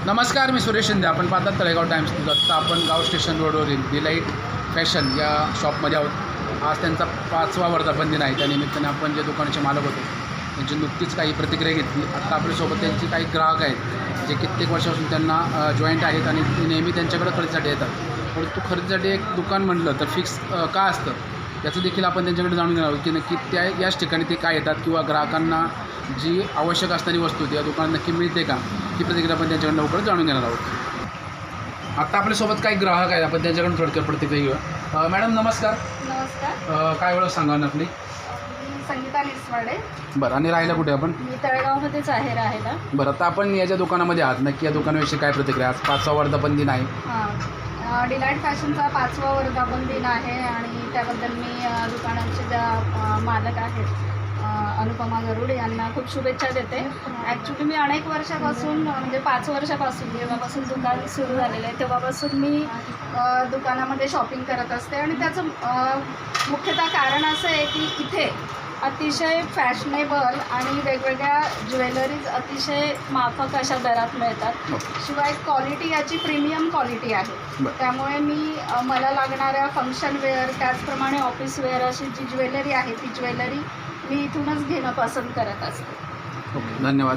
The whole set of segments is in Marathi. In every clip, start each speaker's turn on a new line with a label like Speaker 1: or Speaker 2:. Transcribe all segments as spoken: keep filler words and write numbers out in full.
Speaker 1: नमस्कार, मी सुरेश शिंदे. आपण पाहतात तळेगाव टाइम्स न्यूज. आत्ता आपण गाव स्टेशन रोडवरील डिलाईट फॅशन या शॉपमध्ये आहोत. आज त्यांचा पाचवा वर्धापन दिन आहे. त्यानिमित्ताने आपण जे दुकानाचे मालक होते त्यांची नुकतीच काही प्रतिक्रिया घेतली. आत्ता आपल्यासोबत त्यांची काही ग्राहक आहेत जे कित्येक वर्षापासून त्यांना जॉईंट आहेत आणि ते नेहमी त्यांच्याकडे खरेदीसाठी येतात. परंतु खरेदीसाठी एक दुकान म्हटलं तर फिक्स का असतं याचं देखील आपण त्यांच्याकडे जाणून घेणार आहोत की नक्की त्या याच ठिकाणी ते काय येतात किंवा ग्राहकांना जी आवश्यक असणारी वस्तू त्या दुकानात नक्की मिळते का, ही प्रतिक्रिया आपण त्यांच्याकडून लवकरच जाणून घेणार आहोत. आत्ता आपल्यासोबत काही ग्राहक आहेत, आपण त्यांच्याकडून थोडक्यात प्रतिक्रिया घेऊया. मॅडम नमस्कार.
Speaker 2: नमस्कार.
Speaker 1: काय ओळख सांगा ना आपली?
Speaker 2: मी संगीता निसवाडे.
Speaker 1: बरं, आणि राहायला कुठे आपण?
Speaker 2: मी तळेगावमध्येच आहे राहायला.
Speaker 1: बरं, आता आपण याच्या दुकानामध्ये आहात, नक्की या दुकानाविषयी काय प्रतिक्रिया? आज पाचवा वर्धापन दिन आहे.
Speaker 2: हां, डिलाईट फॅशनचा पाचवा वर्धापन दिन आहे आणि त्याबद्दल मी अ, दुकानाचे ज्या अ, मालक आहेत अ, अनुपमा गरुड यांना खूप शुभेच्छा देते. ॲक्च्युली मी अनेक वर्षापासून म्हणजे पाच वर्षापासून जेव्हापासून दुकान सुरू झालेलं आहे तेव्हापासून मी अ, दुकानामध्ये शॉपिंग करत असते आणि त्याचं अ, मुख्यतः कारण असं आहे की इथे अतिशय फॅशनेबल आणि वेगवेगळ्या ज्वेलरीज अतिशय माफक अशा दरात मिळतात. शिवाय क्वालिटी याची प्रीमियम क्वालिटी आहे. त्यामुळे मी अ, मला लागणाऱ्या फंक्शन वेअर त्याचप्रमाणे ऑफिस वेअर अशी जी ज्वेलरी आहे ती ज्वेलरी मी इथूनच घेणं पसंत करत असते.
Speaker 1: ओके, धन्यवाद.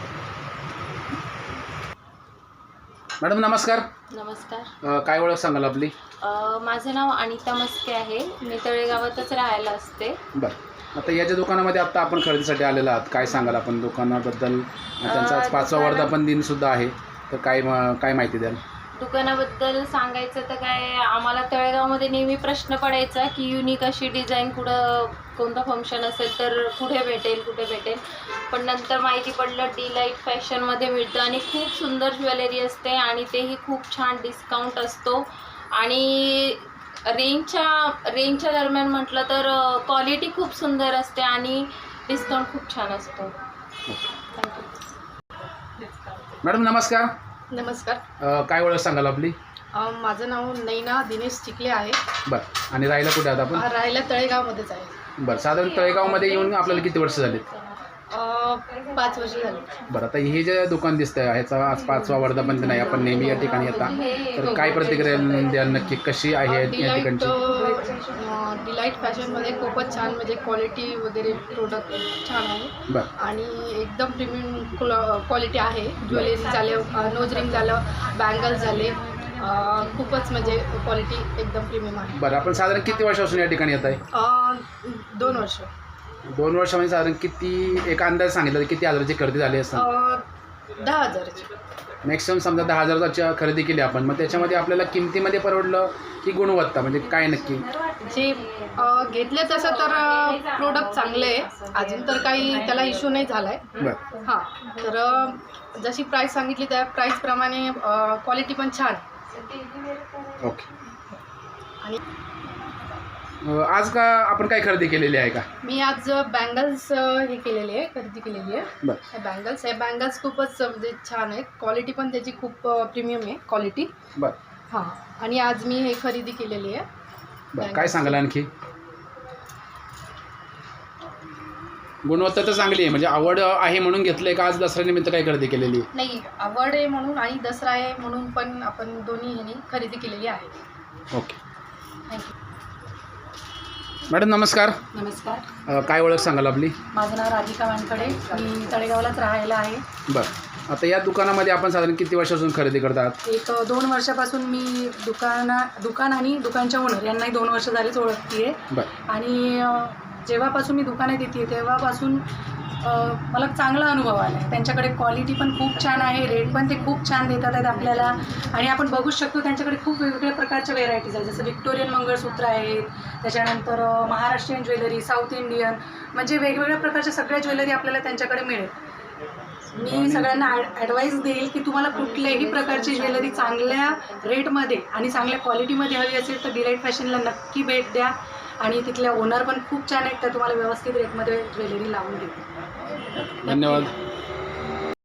Speaker 1: मॅडम नमस्कार.
Speaker 3: नमस्कार.
Speaker 1: काय ओळख सांगाल आपली?
Speaker 3: अ, माझं नाव अनिता मस्के आहे. मी तळेगावातच राहायला असते.
Speaker 1: बरं, आता याच्या दुकानामध्ये आत्ता आपण खरेदीसाठी आलेला आहात. काय सांगाल आपण दुकानाबद्दल? त्यांचा आज पाचवा वर्धापन दिन सुद्धा आहे, तर काय काय माहिती द्याल?
Speaker 3: दुकानाबद्दल सांगायचं तर काय, आम्हाला तळेगावमध्ये नेहमी प्रश्न पडायचा की युनिक अशी डिझाईन कुठं कोणतं फंक्शन असेल तर कुठे भेटेल कुठे भेटेल पण नंतर माहिती पडलं डिलाईट फॅशनमध्ये मिळतं आणि खूप सुंदर ज्वेलरी असते आणि तेही खूप छान डिस्काउंट असतो आणि रेंजच्या रेंजच्या दरम्यान म्हटलं तर क्वालिटी खूप सुंदर असते आणि डिस्काउंट खूप छान असतो. थँक्यू.
Speaker 1: मॅडम नमस्कार.
Speaker 2: नमस्कार.
Speaker 1: काय ओळख सांगाल आपली?
Speaker 2: माझं नाव नैना दिनेश चिखले आहे.
Speaker 1: बरं, आणि राहायला कुठे आहात आपण?
Speaker 2: राहायला तळेगावमध्येच आहे.
Speaker 1: बरं, साधारण तळेगावमध्ये येऊन आपल्याला किती वर्ष झालीत?
Speaker 2: पाच वर्ष झाली.
Speaker 1: बरं, आता हे जे दुकान दिसतंय ह्याचा आज पाचवा वर्धापन दिन आहे, आपण नेहमी या ठिकाणी येता, तर काय प्रतिक्रिया द्याल? नक्की कशी आहे या ठिकाणची?
Speaker 2: डिलाईट फॅशनमध्ये खूपच छान म्हणजे क्वालिटी वगैरे प्रोडक्ट छान आहे.
Speaker 1: बरं,
Speaker 2: आणि एकदम प्रीमियम क्वालिटी आहे. ज्वेलरी झालं, नोज रिंग झालं, बँगल्स झाले, खूपच म्हणजे क्वालिटी एकदम प्रीमियम आहे.
Speaker 1: बरं, आपण साधारण किती वर्षापासून या ठिकाणी येत आहे?
Speaker 2: दोन वर्ष.
Speaker 1: दोन वर्षामध्ये साधारण किती, एक अंदाज सांगितलं तर किती हजाराची खरेदी झाली असतात?
Speaker 2: दहा हजाराची.
Speaker 1: मॅक्सिमम समजा दहा हजाराची खरेदी केली आपण, मग त्याच्यामध्ये आपल्याला किमतीमध्ये परवडलं की गुणवत्ता, म्हणजे काय नक्की?
Speaker 2: जे घेतले तसं तर प्रोडक्ट चांगले आहे, अजून तर काही त्याला इश्यू नाही झाला आहे.
Speaker 1: बरं,
Speaker 2: हां, तर जशी प्राईस सांगितली त्या प्राईसप्रमाणे क्वालिटी पण छान.
Speaker 1: ओके. आणि आज का आपण काय खरेदी केलेली आहे का?
Speaker 2: मी आज बँगल्स हे केलेली आहे, खरेदी केलेली आहे.
Speaker 1: बरं,
Speaker 2: हे बँगल्स हे बँगल्स खूपच म्हणजे छान आहेत. क्वालिटी पण त्याची खूप प्रीमियम आहे क्वालिटी.
Speaker 1: बरं.
Speaker 2: हां, आणि आज मी हे खरेदी केलेली आहे.
Speaker 1: बरं, काय सांगाल आणखी? गुणवत्ता तर चांगली आहे, म्हणजे आवड आहे म्हणून घेतलं का आज दसऱ्यानिमित्त काय खरेदी केलेली?
Speaker 2: नाही, आवड आहे म्हणून आणि दसरा आहे म्हणून पण आपण दोन्ही ह्यांनी खरेदी केलेली आहे.
Speaker 1: Okay,
Speaker 2: thank you.
Speaker 1: मॅडम नमस्कार.
Speaker 4: नमस्कार.
Speaker 1: काय ओळख सांगाल आपली?
Speaker 4: माझं नाव राधिका वानकडे. मी तळेगावलाच राहायला आहे.
Speaker 1: बरं, आता या दुकानामध्ये आपण साधारण किती वर्षापासून खरेदी करतात?
Speaker 4: एक दोन वर्षापासून मी दुकाना दुकान आणि दुकानच्या ओनर यांनाही दोन वर्ष झालीच ओळखते आहे.
Speaker 1: बरं,
Speaker 4: आणि जेव्हापासून मी दुकानात येते तेव्हापासून मला चांगला अनुभव आला आहे. त्यांच्याकडे क्वालिटी पण खूप छान आहे, रेट पण ते खूप छान देतात आहेत आपल्याला. आणि आपण बघू शकतो त्यांच्याकडे खूप वेगवेगळ्या प्रकारच्या व्हेरायटीज आहेत, जसं व्हिक्टोरियन मंगळसूत्र आहेत, त्याच्यानंतर महाराष्ट्रीयन ज्वेलरी, साऊथ इंडियन, म्हणजे वेगवेगळ्या प्रकारच्या सगळ्या ज्वेलरी आपल्याला त्यांच्याकडे मिळेल. मी सगळ्यांना ॲडवाईस देईल की तुम्हाला कुठल्याही प्रकारची ज्वेलरी चांगल्या रेटमध्ये आणि चांगल्या क्वालिटीमध्ये हवी असेल तर डिलाईट फॅशनला नक्की भेट द्या. आणि तिथल्या ओनर पण खूप छान आहेत, त्या तुम्हाला व्यवस्थित रेटमध्ये ज्वेलरी लावून देतील.
Speaker 1: धन्यवाद.